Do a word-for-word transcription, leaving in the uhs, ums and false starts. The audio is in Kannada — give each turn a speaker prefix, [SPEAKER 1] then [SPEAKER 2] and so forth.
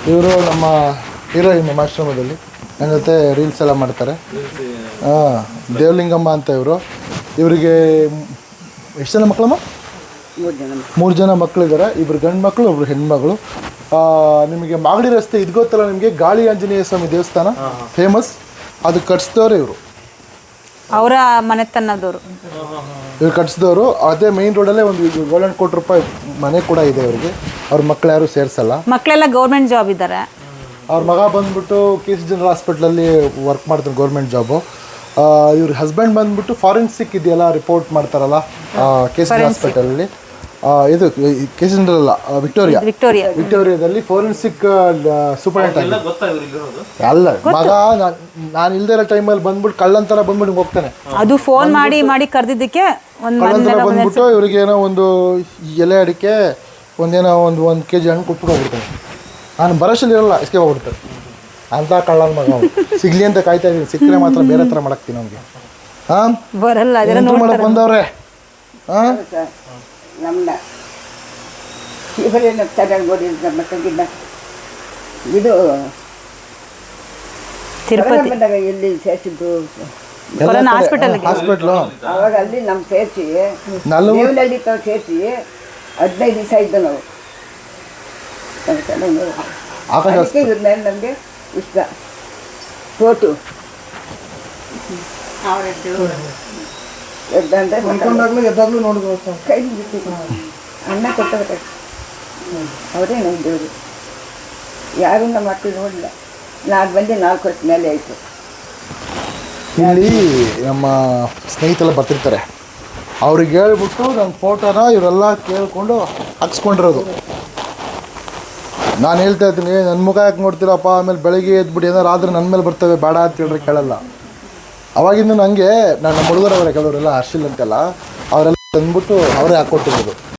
[SPEAKER 1] ಇವರು ನಮ್ಮ ಹೀರೋಯಿನ್ ನಮ್ಮ ಆಶ್ರಮದಲ್ಲಿ ನನ್ನ ಜೊತೆ ರೀಲ್ಸ್ ಎಲ್ಲ ಮಾಡ್ತಾರೆ. ಹಾಂ, ದೇವಲಿಂಗಮ್ಮ ಅಂತ ಇವರು. ಇವರಿಗೆ ಎಷ್ಟು ಜನ ಮಕ್ಕಳಮ್ಮ? ಮೂರು ಜನ ಮಕ್ಕಳಿದ್ದಾರೆ. ಇಬ್ಬರು ಗಂಡು ಮಕ್ಕಳು, ಒಬ್ರು ಹೆಣ್ಮಗಳು. ನಿಮಗೆ ಮಾಗಡಿ ರಸ್ತೆ ಇದು ಗೊತ್ತಲ್ಲ ನಿಮಗೆ, ಗಾಳಿ ಆಂಜನೇಯ ಸ್ವಾಮಿ ದೇವಸ್ಥಾನ ಫೇಮಸ್, ಅದು ಕಟ್ಸಿದವರು ಇವರು.
[SPEAKER 2] ಅವರ ಮನೆತನದವರು
[SPEAKER 1] ಇವ್ರು ಕಟ್ಸಿದವರು. ಅದೇ ಮೇನ್ ರೋಡಲ್ಲೇ ಒಂದು ಏಳೆಂಟು ಕೋಟಿ ರೂಪಾಯಿ ಮನೆ ಕೂಡ ಇದೆ ಇವರಿಗೆ. ಅವ್ರ ಮಕ್ಕಳು ಯಾರು ಸೇರಿಸಲ್ಲ.
[SPEAKER 2] ಮಕ್ಕಳೆಲ್ಲ ಗೌರ್ಮೆಂಟ್ ಜಾಬ್ ಇದ್ದಾರೆ.
[SPEAKER 1] ಅವ್ರ ಮಗ ಬಂದ್ಬಿಟ್ಟು ಕೆ ಸಿ ಜನರಲ್ ಹಾಸ್ಪಿಟ್ಲಲ್ಲಿ ವರ್ಕ್ ಮಾಡ್ತಾರೆ, ಗೌರ್ಮೆಂಟ್ ಜಾಬು. ಇವ್ರ ಹಸ್ಬೆಂಡ್ ಬಂದ್ಬಿಟ್ಟು ಫಾರೆನ್ಸಿಕ್ ಇದೆಯಲ್ಲ ರಿಪೋರ್ಟ್ ಮಾಡ್ತಾರಲ್ಲ ಕೆ ಸಿ ಜಿ ಹಾಸ್ಪಿಟಲಲ್ಲಿ, ಇದು ಕೆ ಸಿ ಜನರಲ್ ಅಲ್ಲ, ವಿಕ್ಟೋರಿಯಾ
[SPEAKER 2] ವಿಕ್ಟೋರಿಯಾ
[SPEAKER 1] ವಿಕ್ಟೋರಿಯಾದಲ್ಲಿ ಫಾರೆನ್ಸಿಕ್ ಸೂಪರಿಂಟೆಂಡೆಂಟ್ ಅಲ್ಲ ಮಗ. ನಾನು ಇಲ್ದೇ ಇರೋ ಟೈಮಲ್ಲಿ ಬಂದ್ಬಿಟ್ಟು ಕಳ್ಳಂತರ ಬಂದ್ಬಿಟ್ಟು ಹೋಗ್ತಾನೆ. ಅದು
[SPEAKER 2] ಫೋನ್ ಮಾಡಿ ಮಾಡಿ ಕರೆದಿದ್ದಕ್ಕೆ
[SPEAKER 1] ಕಳ್ಳಂತರ ಬಂದ್ಬಿಟ್ಟು ಇವ್ರಿಗೆ ಏನೋ ಒಂದು ಎಲೆ ಅಡಿಕೆ ಒಂದೇನೋ ಒಂದು ಒಂದು ಕೆ ಜಿ ಹಣ್ಣು ಕೊಟ್ಬಿಟ್ಟು ಹೋಗ್ಬಿಡ್ತಾನೆ. ನಾನು ಬರೋಷಲ್ಲಿ ಇರಲ್ಲ, ಎಸ್ಕೆ ಹೋಗ್ಬಿಡ್ತಾರೆ ಅಂತ ಕಳ್ಳನ ಮಗ. ಸಿಗ್ಲಿ ಅಂತ ಕಾಯ್ತಾ ಇದ್ದೀನಿ, ಸಿಕ್ಕರೆ ಮಾತ್ರ ಬೇರೆ ಥರ ಮಾಡಾಕ್ತೀನಿ ಅವ್ನಿಗೆ. ಹಾಂ,
[SPEAKER 2] ಬರಲ್ಲ
[SPEAKER 1] ಮಾಡಕ್ಕೆ ಬಂದವ್ರೆ. ಹಾಂ,
[SPEAKER 3] ನಮ್ಮನ್ನ ಇವರೇನು ಚೆನ್ನಾಗಿ ಓದಿದ್ರು ನಮ್ಮ ತಂಗಿನ. ಇದು
[SPEAKER 2] ತಿರುಪತಿ
[SPEAKER 3] ಬಂದಾಗ ಎಲ್ಲಿ ಸೇರಿಸಿದ್ದು
[SPEAKER 2] ಹಾಸ್ಪಿಟಲ್
[SPEAKER 1] ಹಾಸ್ಪಿಟ್ಲು,
[SPEAKER 3] ಅವಾಗ ಅಲ್ಲಿ ನಮ್ಮ ಸೇರಿಸಿ
[SPEAKER 1] ನಲ್ವತ್ತು
[SPEAKER 3] ದೇವನಹಳ್ಳಿ ತಾವು ಸೇರಿಸಿ ಹದಿನೈದು ದಿವಸ ಇದ್ದು ನಾವು.
[SPEAKER 1] ಆಕಾಶ
[SPEAKER 3] ಅದಕ್ಕೆ ಇದ್ರ ಮೇಲೆ ನಮಗೆ ಇಷ್ಟ. ಫೋಟು ಎದ್ದಂದ್ರೆ
[SPEAKER 1] ಎದ್ದಾಗಲೂ ನೋಡ್ಬೋದು.
[SPEAKER 3] ಕೈ ಬಿಟ್ಟಿದ್ದು ಅನ್ನ ಕೊಟ್ಟರೆ ಅವರೇ ನಮ್ಮ ದೇವರು. ಯಾರೂ ನಮ್ಮ ಮಕ್ಕಳು ನೋಡಿಲ್ಲ. ನಾನು ಬಂದು ನಾಲ್ಕು ವರ್ಷ ಮೇಲೆ ಆಯಿತು.
[SPEAKER 1] ಇಲ್ಲಿ ನಮ್ಮ ಸ್ನೇಹಿತರೆಲ್ಲ ಬರ್ತಿರ್ತಾರೆ, ಅವ್ರಿಗೆ ಹೇಳ್ಬಿಟ್ಟು ನನ್ನ ಫೋಟೋನ ಇವರೆಲ್ಲ ಕೇಳಿಕೊಂಡು ಹಾಕ್ಸ್ಕೊಂಡಿರೋದು. ನಾನು ಹೇಳ್ತಾ ಇದ್ದೀನಿ, ನನ್ನ ಮುಖ ಯಾಕೆ ನೋಡ್ತೀರಪ್ಪ, ಆಮೇಲೆ ಬೆಳಗ್ಗೆ ಎದ್ಬಿಟ್ಟು ಏನಾರು ಆದರೆ ನನ್ನ ಮೇಲೆ ಬರ್ತವೆ, ಬೇಡ ಅಂತ ಹೇಳಿದ್ರೆ ಕೇಳಲ್ಲ. ಅವಾಗಿಂದ ನನಗೆ ನಾನು ನಮ್ಮ ಹುಡುಗರವರೇ ಕೆಲವರೆಲ್ಲ ಹರ್ಷಿಲ್ ಅಂತೆಲ್ಲ ಅವರೆಲ್ಲ ತಂದ್ಬಿಟ್ಟು ಅವರೇ ಹಾಕ್ಕೊಟ್ಟಿರೋದು.